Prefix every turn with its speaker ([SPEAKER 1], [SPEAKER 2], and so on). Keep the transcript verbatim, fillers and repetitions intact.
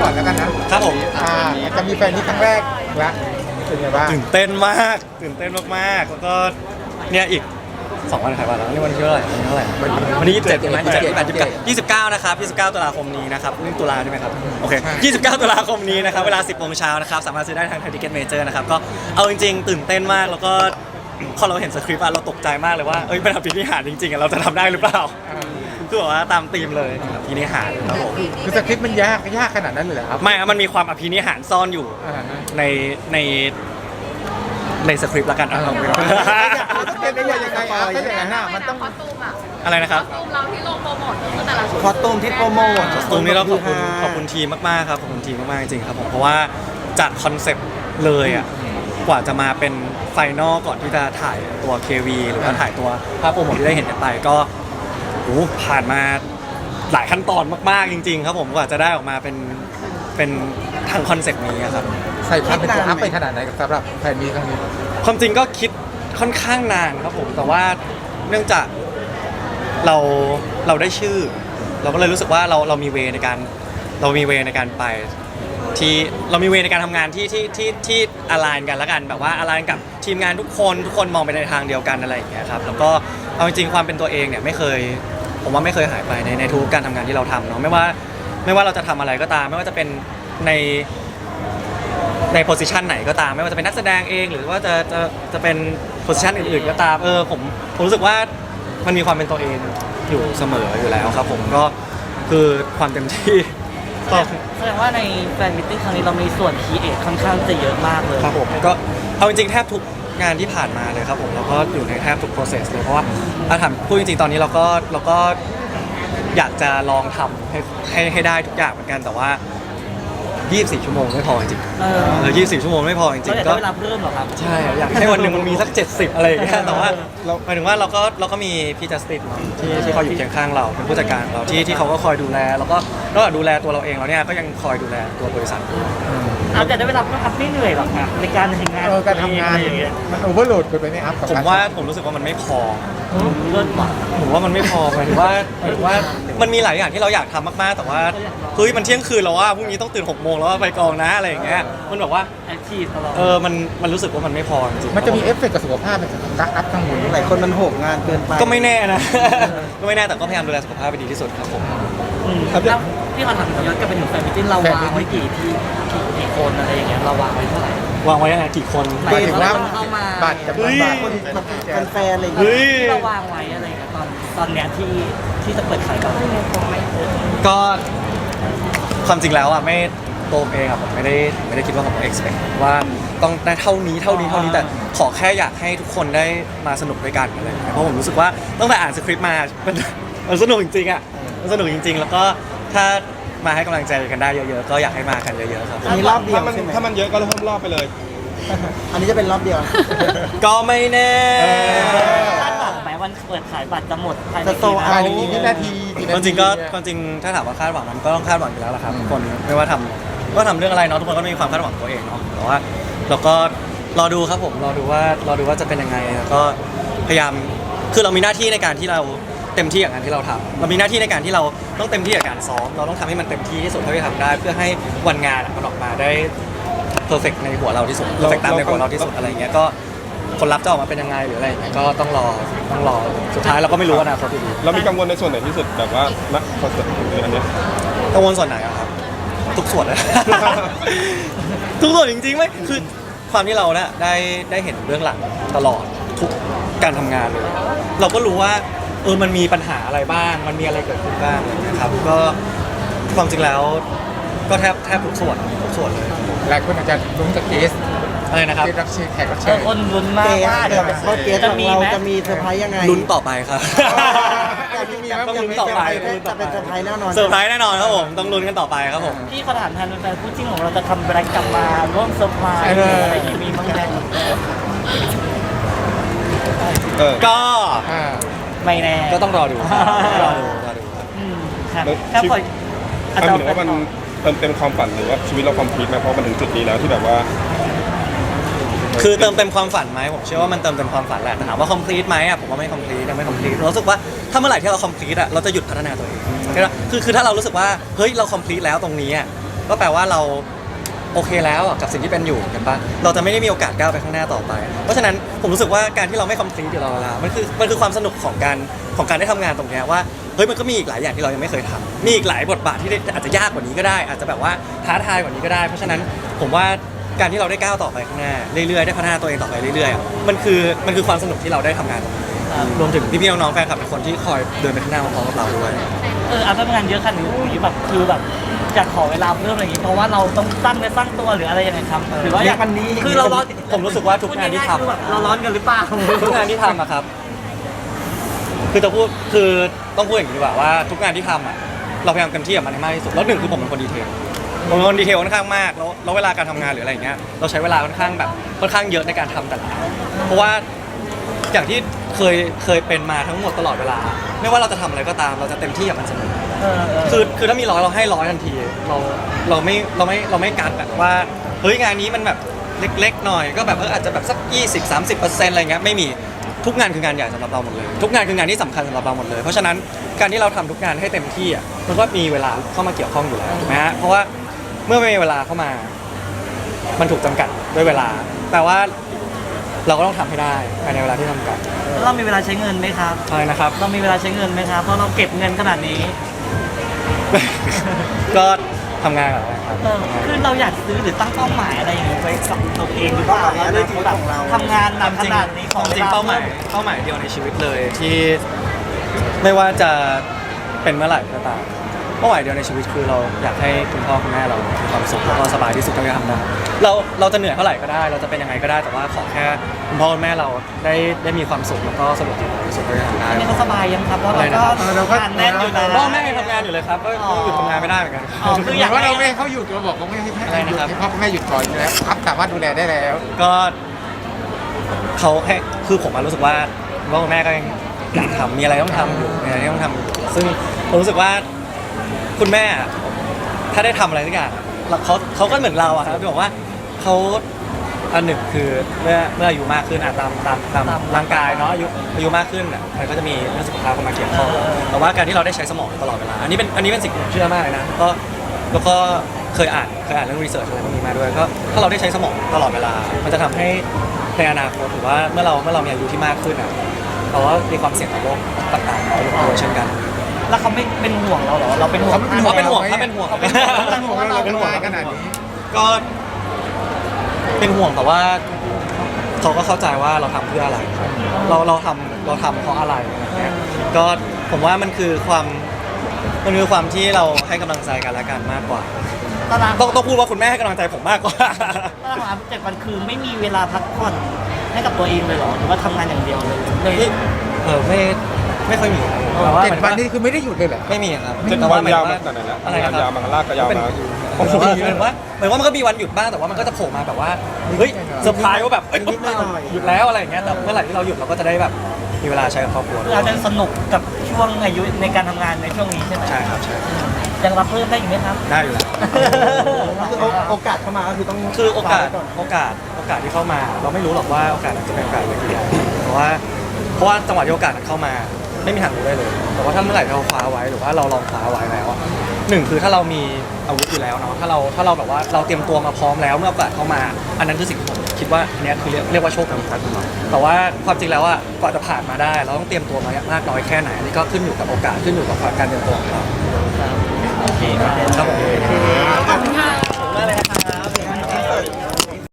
[SPEAKER 1] ก่อนแล้วกันนะครับ
[SPEAKER 2] ผม
[SPEAKER 1] อ่าจะมีแฟนนี้ครั้งแรกละเป็นไงบ้าง
[SPEAKER 2] ตื่นเต้นมากตื่นเต้นมากๆแล้วก็เนี่ยอีกสองวันขายบัตรแล้วนี่วันที่เท่าไหร่วันที่เท่าไหร่วันที่ยี่สิบเจ็ดใช่ไหมยี่สิบเจ็ดยี่สิบเก้านะครับยี่สิบเก้าตุลาคมนี้นะครับนี่ตุลาใช่ไหมครับโอเคยี่สิบเก้าตุลาคมนี้นะครับเวลาสิบโมงเช้านะครับสามารถซื้อได้ทางไทยทิเก็ตเมเจอร์นะครับก็เอาจริงๆตื่นเต้นมากแล้วก็พอเราเห็นสคริปต์อะเราตกใจมากเลยว่าเอ้ยเป็นอภินิหารจริงๆอะเราจะทำได้หรือเปล่าคือแบบว่าตามธีมเลยอภินิหารครับผม
[SPEAKER 1] คือสคริปต์มันยากยากขนาดนั้นเลยเหรอครับ
[SPEAKER 2] ไม่ครับมันมีความอภินิหารซ่อนอยู่
[SPEAKER 1] อ่าฮะ
[SPEAKER 2] ในในในสคริปต์ละกันอ่ะ
[SPEAKER 1] เป็นได้ยังไงอ่ะเป็นยังไงฮะมันต้อง
[SPEAKER 3] คอสตูมอะ
[SPEAKER 2] อะไรนะครับ
[SPEAKER 3] คอสตูมเราที่ลงโปรโมทก็คือแต่ละชุด
[SPEAKER 4] คอสตูมที่โปรโมท
[SPEAKER 2] ตรงนี้เราขอบคุณขอบคุณทีมมากๆครับขอบคุณทีมมากๆจริงๆครับผมเพราะว่าจากคอนเซปต์เลยอ่ะกว่าจะมาเป็นไฟนอลก่อนที่จะถ่ายตัว เค วี หรือว่าถ่ายตัวภาพโปรโมทที่ได้เห็นกันไปก็โอ้ผ่านมาหลายขั้นตอนมากๆจริงๆครับผมกว่าจะได้ออกมาเป็นเป็นทางคอนเซปต์นี้อะครับ
[SPEAKER 1] ใส่ความเป็นตัวอัพไปขนาดไหนสำหรับแฟนมีครั้งนี้
[SPEAKER 2] ความจริงก็คิดค่อนข้างนานครับผมแต่ว่าเนื่องจากเราเราได้ชื่อ เราก็เลยรู้สึกว่าเราเรามีเวในการเรามีเวในการไปที่เรามีเวในการทำงานที่ที่ที่ที่อลานกันแล้วกันแบบว่าอลานกับทีมงานทุกคนทุกคนมองไปในทางเดียวกันอะไรอย่างเงี้ยครับแล้วก็เอาจริงๆความเป็นตัวเองเนี่ยไม่เคยผมว่าไม่เคยหายไปในในทุกการทำงานที่เราทำเนาะไม่ว่าไม่ว่าเราจะทำอะไรก็ตาม ไม่ว่าจะเป็นในในโพสิชันไหนก็ตามไม่ว่าจะเป็นนักแสดงเองหรือว่าจะจะจะเป็นโพสิชันอื่นๆก็ตามเออผมผมรู้สึกว่ามันมีความเป็นตัวเองอยู่เสมออยู่แล้วครับผมก็คือความเต็มที่ก็
[SPEAKER 4] แสดงว่าในแฟนมิตติ้งครั้งนี้เรามีส่วนคีเอทค่อนข้างจะเยอะมากเลย
[SPEAKER 2] ครับผมก็เอาจริงๆแทบทุกงานที่ผ่านมาเลยครับผมเราก็อยู่ในแทบทุก process เลยเพราะว่าถ้าถามพูดจริงๆตอนนี้เราก็เราก็อยากจะลองทำให้ให้ให้ได้ทุกอย่างเหมือนกันแต่ว่ายี่สิบสี่ชั่วโมงไม่พอจริงๆ
[SPEAKER 4] เออ
[SPEAKER 2] เออยี่สิบสี่ชั่วโมงไม่พอจริ
[SPEAKER 4] เรา
[SPEAKER 2] ง
[SPEAKER 4] อยาก
[SPEAKER 2] ๆก็
[SPEAKER 4] ได้เวลาเพิ่มเหรอครับ
[SPEAKER 2] ใช่อยากให้วันหนึ่งมันมีสักเจ็ดสิบอะไรอย่างเงี้ยแต่ว่าหมายถึงว่าเราก็เราก็มีพี่จัสตินที่ที่เขาอยู่เคียงข้างเราเป็นผู้จัดการของเราที่ที่เขาก็คอยดูแลแล้วก็นอกจากดูแลตัวเราเองแล้วเนี่ยก็ยังคอยดูแลตัวบริษัทด้วย
[SPEAKER 4] เอาแต่ได้เวลาเพิ่มครับไม่เหนื่อยหรอกนะในการทำงาน
[SPEAKER 1] เออการทำงาน
[SPEAKER 4] อะไรอย่างเงี้ย
[SPEAKER 1] มันโอเวอร์โหลดเกินไปไหมครับกับ
[SPEAKER 2] ผม
[SPEAKER 1] กร
[SPEAKER 2] ว่าผมรู้สึกว่ามันไม่พอ
[SPEAKER 4] เลิศว่ะ
[SPEAKER 2] ผมว่ามันไม่พอหมายถึงว่าหมายถึงว่ามันมีหลายอย่างที่เราอยากทำมากๆแต่ว่าเฮ้ยมันเที่ยงคืนแล้วว่าพรุ่งนี้ต้องตื่นหกโมงแล้วว่าไปกองนะอะไรอย่างเงี้ยมันแบบว่า
[SPEAKER 4] แอคทีฟตลอด
[SPEAKER 2] เออมันมันรู้สึกว่ามันไม่พอจริงๆ
[SPEAKER 1] มันจะมีเอฟเฟกต์กับสุขภาพเป็นกักอัพทั้งหมด
[SPEAKER 4] หลายคนมันโหมงานเกินไป
[SPEAKER 2] ก็ไม่แน่นะ ก็ไม่แน่แต่ก็พยายามดูแลสุขภาพไปดีที่สุดครับผม
[SPEAKER 4] อืมแล้วพี่ขอถามย้อนกลับไปถึงแฟนมิตติ้งเราวางไว้กี่ที่กี่กี่คนอะไรอย่างเงี้ยเราวางไว้เท่าไหร่
[SPEAKER 2] วางไว้ยังไงกี่คน
[SPEAKER 1] หมายถึงว่า
[SPEAKER 4] คนเข้ามา
[SPEAKER 1] บัตรจำนวนบัตร
[SPEAKER 4] คนแฟนๆอะไรอย่างเงี้ยที่เราวางไว้อะไรอย่างเงี้ยตอนตอนเนี้ยที่ที่จะเปิดขายก่อน
[SPEAKER 2] ก็ความจริงแล้วอ่ะไม่ตัวผมเองอ่ะผมไม่ได้ไม่ได้คิดว่าผม expect ว่าต้องได้เท่านี้เท่านี้เท่านี้แต่ขอแค่อยากให้ทุกคนได้มาสนุกด้วยกันอะไรอย่างเงี้ยเพราะผมรู้สึกว่าตั้งแต่อ่านสคริปต์มา มันมันสนุกจริงๆอ่ะมันสนุกจริง ๆ แล้วก็ถ้ามาให้กำลังใจกันได้เยอะๆก็อยากให้มากันเยอะๆครับ
[SPEAKER 4] อันนี้รอบเดียว
[SPEAKER 5] ถ้ามัน
[SPEAKER 4] ใช่ไหม
[SPEAKER 5] ถ้ามันเยอะก็เพิ่มรอบไปเลย
[SPEAKER 4] อันนี้จะเป็นรอบเดียว
[SPEAKER 2] ก็ไม่แน่
[SPEAKER 4] คาดหวังไหมวันเปิดขายบัตรจะหมดภายใน
[SPEAKER 1] จะโต
[SPEAKER 4] กี่
[SPEAKER 1] ภาย
[SPEAKER 4] นา
[SPEAKER 1] ใน
[SPEAKER 4] ที
[SPEAKER 1] กี่นาทีกี่
[SPEAKER 2] ค
[SPEAKER 1] นาว
[SPEAKER 2] ามจ
[SPEAKER 1] ที
[SPEAKER 2] ริงก็ความจริงถ้าถามว่าคาดหวังมันก็ต้องคาดหวังอยู่แล้วละครับทุกคนไม่ว่าทำก็ทำเรื่องอะไรเนาะทุกคนก็มีความคาดหวังของตัวเองเนาะแต่ว่าเราก็รอดูครับผมรอดูว่ารอดูว่าจะเป็นยังไงแล้วก็พยายามคือเรามีหน้าที่ในการที่เราเต็มที่กับงานที่เราทำเรามีหน้าที่ในการที่เราต้องเต็มที่กับการซ้อมเราต้องทำให้มันเต็มที่ที่สุดเท่าที่ทำได้ เพื่อให้วันงานมันออกมาได้เพอร์เฟกในหัวเราที่สุดเพอร์เฟกตามในหัวเราที่สุดอะไรอย่างเงี้ยก็ผลลัพธ์จะออกมาเป็นยังไงหรืออะไรอย่างเงี้ยก็ต้องรอต้องรอสุดท้ายเราก็ไม่รู้อนาคตอยู่ดี
[SPEAKER 5] เรามีกังวลในส่วนไหนที่สุดแบบว่าณคอนเสิร์ตในอันเนี้ย
[SPEAKER 2] กังวลส่วนไหนอะครับ ทุกส่วนเลย ทุกส่วนจริงๆไม่คือความที่เราเนี่ยได้ได้เห็นเบื้องหลังตลอดทุกการทำงานเลย เราก็รู้ว่าเออมันมีปัญหาอะไรบ้าง มันมีอะไรเกิดขึ้นบ้างนะครับก็ความจริงแล้วก็แทบแทบทุกส่วนทุกส่วนเลย
[SPEAKER 1] หลายคนอาจจะลุ้นกับเกส
[SPEAKER 2] อะไรนะครับ
[SPEAKER 1] เกสรับเชิญแขกรับ
[SPEAKER 4] เอ
[SPEAKER 1] เชิ
[SPEAKER 4] อ
[SPEAKER 1] ญ
[SPEAKER 4] คนลุ้นมากว่าเดี๋ยว
[SPEAKER 6] เพราะเกส
[SPEAKER 4] จะ
[SPEAKER 6] ของ
[SPEAKER 4] มี
[SPEAKER 6] เรา
[SPEAKER 4] ไหม
[SPEAKER 6] จะมีเซอร์ไพรส์ยังไง
[SPEAKER 2] ลุ้นต่อไปครับ ต้องลุ้นต่อไป
[SPEAKER 6] จะเป็นเซอร์ไพรส์แน่นอน
[SPEAKER 2] เซอร์ไพรส์แน่นอนครับผมต้องลุ้นกันต่อไปครับผม
[SPEAKER 4] พี่ขอถามแทนแฟนๆคู่จิ้นของเราจะทำแบรนด์กลับมาร่วมเซอร์ไพรส์อะไรอย่างงี้มีบ้างไหม
[SPEAKER 5] เออ
[SPEAKER 2] ก็
[SPEAKER 1] อ่า
[SPEAKER 4] ไม่แน่
[SPEAKER 2] ก็ต้องรอดูครับรอดูรอดูครับ
[SPEAKER 4] อืมครับ
[SPEAKER 5] แล้ว
[SPEAKER 4] ครับ
[SPEAKER 5] ชีวิ
[SPEAKER 4] ขอ
[SPEAKER 5] ต
[SPEAKER 4] อา
[SPEAKER 5] มัน
[SPEAKER 4] จาร
[SPEAKER 5] เหมื
[SPEAKER 4] ย์
[SPEAKER 5] อนว่ามันเติมเต็มความฝันหรือว่าชีวิตเราคอมพลีทไหมเพราะมันถึงจุดนี้แล้วที่แบบว่า
[SPEAKER 2] คือเติมเต็มความฝันไหมผมเชื่อว่ามันเติมเต็มความฝันแหละแต่ถามว่า complete ไหมอ่ะผมว่าไม่ complete ยังไม่ complete เรารู้สึกว่าถ้าเมื่อไหร่ที่เรา complete อ่ะเราจะหยุดพัฒนาตัวเองคือคือคือถ้าเรารู้สึกว่าเฮ้ยเรา complete แล้วตรงนี้อ่ะก็แปลว่าเราโอเคแล้วอะกับสิ่งที่เป็นอยู่กันปะเราจะไม่ได้มีโอกาสก้าวไปข้างหน้าต่อไป เพราะฉะนั้นผมรู้สึกว่าการที่เราไม่คอมพลีทอยู่ตลอดเวลามันคือมันคือความสนุกของการของการได้ทำงานตรงเนี้ยว่าเฮ้ยมันก็มีอีกหลายอย่างที่เรายังไม่เคยทำมีอีกหลายบทบาทที่อาจจะยากกว่านี้ก็ได้ อาจจะแบบว่าท้าทายกว่านี้ก็ได้ เพราะฉะนั้นผมว่าการที่เราได้ก้าวต่อไปข้างหน้าเรื่อยๆได้พัฒนาตัวเองต่อไปเรื่อยๆอะมันคือมันคือความสนุกที่เราได้ทำงานตรงนี้รวมถึงพี่ๆน้องๆแฟนคลับเป็นคนที่คอยเดินไปข้างหน้าพร้อมๆกับเราด้วย
[SPEAKER 4] เออเอาทำงานเยอะขนาดนี้แบบคือแบบอยากขอเวลาเพิ่มอะไรอย่างงี้เพราะว่าเราต้องสร้างเนื้อสร้างตัวหรืออะไรยังไงครับหรือว่าอยาก
[SPEAKER 6] วันนี้
[SPEAKER 4] คือเราร้อน
[SPEAKER 2] ผมรู้สึกว่าทุกงานที่ทำ
[SPEAKER 4] พูดง่ยๆคือแบบเราร้อนกันหรือเปล่า
[SPEAKER 2] ทุกงานที่ทำอะครับ คือจะพูดคือต้องพูดอย่างนี้ดีกว่าว่าทุกงานที่ทำอะเราพยายามเต็มที่กับมันให้มากที่สุดแล้วหนึ่งคือผมเป็นคนดีเทลผมเป็นคนดีเทลค่อนข้างมากแล้วแล้วเวลาการทำงานหรืออะไรอย่างเงี้ยเราใช้เวลาค่อนข้างแบบค่อนข้างเยอะในการทำแต่ละอันเพราะว่าอย่างที่เคยเคยเป็นมาทั้งหมดตลอดเวลา ไม่ว่าเราจะทำอะไรก็ตามเราจะเต็มที่กับมันเสมอ
[SPEAKER 4] เออเออ
[SPEAKER 2] คือคือถ้ามีร้อยเราให้ร้อยทันทีเราเราไม่เราไม่เราไม่กัดแบบว่าเฮ้ยงานนี้มันแบบเล็กๆหน่อยก็แบบเอออาจจะแบบสักยี่สิบ สามสิบเปอร์เซ็นต์อะไรเงี้ยไม่มีทุกงานคืองานใหญ่สำหรับเราหมดเลยทุกงานคืองานที่สำคัญสำหรับเราหมดเลยเพราะฉะนั้นการที่เราทำทุกงานให้เต็มที่อ่ะมันก็มีเวลาเข้ามาเกี่ยวข้องอยู่แล้วถูกไหมฮะเพราะว่าเมื่อไม่มีเวลาเข้ามา มันถูกจำกัดด้วยเวลาแปลว่าเราก็ต้องทำให้ได้ภายในเวลาที่จำกัด
[SPEAKER 4] แล้วเรามีเวลาใช้เงินไหมครับ
[SPEAKER 2] ใช่นะครับ
[SPEAKER 4] เรามีเวลาใช้เงินไหมครับเพราะเราเก็บเงินขนาดนี้
[SPEAKER 2] ก็ทำงานกับอะไรครับ
[SPEAKER 4] เออคือเราอยากซื้อหรือตั้งเป้าหมายอะไรอย่างเงี้ยไว้กับตัวเองหรือเปล่าเราเลยถึงแบบทำงานหนักขนาดนี้ของ
[SPEAKER 2] จริงๆเป้าหมายเป้าหมายเดียวในชีวิตเลยที่ไม่ว่าจะเป็นเมื่อไหร่ก็ตามเป้าหมายเดียวในชีวิตคือเราอยากให้คุณพ่อคุณแม่เรามีความสุขแล้วก็สบายที่สุดเท่าที่ทำได้เราเราจะเหนื่อยเท่าไหร่ก็ได้ เราจะเป็นยังไงก็ได้ แต่ว่าขอแค่คุณพ่อคุณแม่เราได้ได้มีความสุขแล้วก็สะดวกสบายที่สุดเท่าที่ทำได้
[SPEAKER 4] อันนี้เขาสบายยังครับเพราะเราก็
[SPEAKER 1] เออเราก็
[SPEAKER 4] งานแน่นอยู่นะ
[SPEAKER 2] พ่อแม่ยังทำงานอยู่เลยครับก็ก็หยุดทำงานไม่ได้เหมือนกัน
[SPEAKER 4] อ๋อคืออยาก
[SPEAKER 1] ว่า
[SPEAKER 4] ให้
[SPEAKER 1] เราไม่ให้เขาหยุดเราบอกเขาไม่ให้
[SPEAKER 2] อะไรนะครับ
[SPEAKER 1] ให้พ่อแม่หยุดก่อนแล้วครับสามารถดูแลได้แล้ว
[SPEAKER 2] ก็เขาให้คือผมอะรู้สึกว่าคุณพ่อคุณแม่ก็ยังอยากทำมีอะไรต้องทำอยู่มีอะไรที่ต้องทำอยู่ซึ่งผมรู้สึกว่าคุณแม่อะถ้าได้ทำอะไรสักอย่างแล้วเขาเขาก็เหมือนเราอะครับที่บอกว่าเขาอันหนึ่งคือเมื่อเมื่ออายุมากขึ้นอะตามตามตามร่างกายเนาะอายุอายุมากขึ้นอะมันก็จะมีเรื่องสุขภาพเข้ามาเกี่ยวข้องแต่ว่าการที่เราได้ใช้สมองตลอดเวลาอันนี้เป็นอันนี้เป็นสิ่งที่ผมเชื่อมากเลยนะก็แล้วก็เคยอ่านเคยอ่านเรื่องรีเสิร์ชอะไรพวกนี้มาด้วยก็ถ้าเราได้ใช้สมองตลอดเวลา มันจะทำให้ในอนาคตถือว่าเมื่อเราเมื่อเรามีอายุที่มากขึ้นอะเราก็มีความเสี่ยงต่อโรคต่างๆน้อยลงด้วยเช่นกัน
[SPEAKER 4] แล้วเขาไม่เป็นห่วงเราเหรอเราเป็นห่วง
[SPEAKER 1] เขาไม่เป็น
[SPEAKER 2] เขาเป็นห่วงเขาเป็นห่วง
[SPEAKER 1] เขาเป็นห่วงเราเป็นห่วงขนาดนี้
[SPEAKER 2] ก็เป็นห่วงแต่ว่าเขาก็เข้าใจว่าเราทำเพื่ออะไร เราเราทำเราทำเพราะอะไรอะไรเงี้ยก็ผมว่ามันคือความมันคือความที่เราให้กำลังใจกันและกันมากกว่า
[SPEAKER 4] ตาราง
[SPEAKER 2] ต้องต้องพูดว่าคุณแม่ให้กำลังใจผมมากกว่า
[SPEAKER 4] ตารางเจ็ดวันคือไม่มีเวลาพักผ่อนให้กับตัวเองเลยเหรอหรือว่าทำงานอย่างเดียวเลยเลย
[SPEAKER 2] เออไม่ไม่ค่อยมีครับแต่ว่า
[SPEAKER 1] เจ็ด
[SPEAKER 2] หมายถึง
[SPEAKER 1] วัน
[SPEAKER 2] ว่า
[SPEAKER 1] นี้คือไม่ได้หยุดเลยเหรอ
[SPEAKER 2] ไม่มีครับ
[SPEAKER 5] เจ็ด
[SPEAKER 2] แต่
[SPEAKER 5] วั
[SPEAKER 2] ว่าน หมาย
[SPEAKER 5] ยาว
[SPEAKER 2] ถึง
[SPEAKER 5] มา
[SPEAKER 2] ว่า
[SPEAKER 5] ขนาดไหนแล้ว
[SPEAKER 2] อะไร
[SPEAKER 5] งาน
[SPEAKER 2] นะค
[SPEAKER 5] ยา
[SPEAKER 2] รั
[SPEAKER 5] ว
[SPEAKER 2] บ
[SPEAKER 5] มาลากก็ยาวมา
[SPEAKER 2] หมายถึงว่าหมายถึงว่าเหมือนว่ามันก็มีวันหยุดบ้างแต่ว่ามันก็จะโผล่มาแบบว่าเฮ้ยเซอร์ไพรส์ว่าแบบเอ้ยปุ๊บหยุดแล้วอะไรอย่างเงี้ยแต่เมื่อไหร่ที่เราหยุดเราก็จะได้แบบมีเวลาใช้กับครอบครัว
[SPEAKER 4] คือเราจะสนุกกับช่วงอายุในการทำงานในช่วงนี้ใช่ไหม
[SPEAKER 2] ใช่ครับใช่
[SPEAKER 4] ยังรับเพิ่มได้อีกไหมครับ
[SPEAKER 2] ได้อยู่แล้ว
[SPEAKER 6] คือโอกาสเข้ามาก็คือต้อง
[SPEAKER 2] คือโอกาส
[SPEAKER 6] คว้ไว้ก่อน
[SPEAKER 2] โอกาสโอกาสที่เข้ามา เราไม่รู้หรอกว่าโอกาสนั้นจะเป็นโอกาสอะไรกี่อย่างเพราะว่าเพราะว่าจังหวะที่โอกาสนั้นเข้ามาไม่มีทางรู้ได้เลย แต่ว่าถ้าเมื่อไหร่เราคว้าไว้หรือว่าเราลองคว้าไว้แล้วอะหนึ่งคือถ้าเรามีอาวุธอยู่แล้วเนาะถ้าเราถ้าเราแบบว่าเราเตรียมตัวมาพร้อมแล้วเมื่อโอกาสเข้ามา อันนั้นคือสิ่งที่ผมคิดว่าอันเนี้ยคือเรียกเรียกว่าโชคดีครับแต่ว่าความจริงแล้วอะกว่าจะผ่านมาได้ เราต้องเตรียมตัวมามากน้อยแค่ไหนอันนี้ก็ขึ้นอยู่กับโอกาสขึ้นอยู่กับการเตรียมตัวของเรา
[SPEAKER 4] โอเคครับ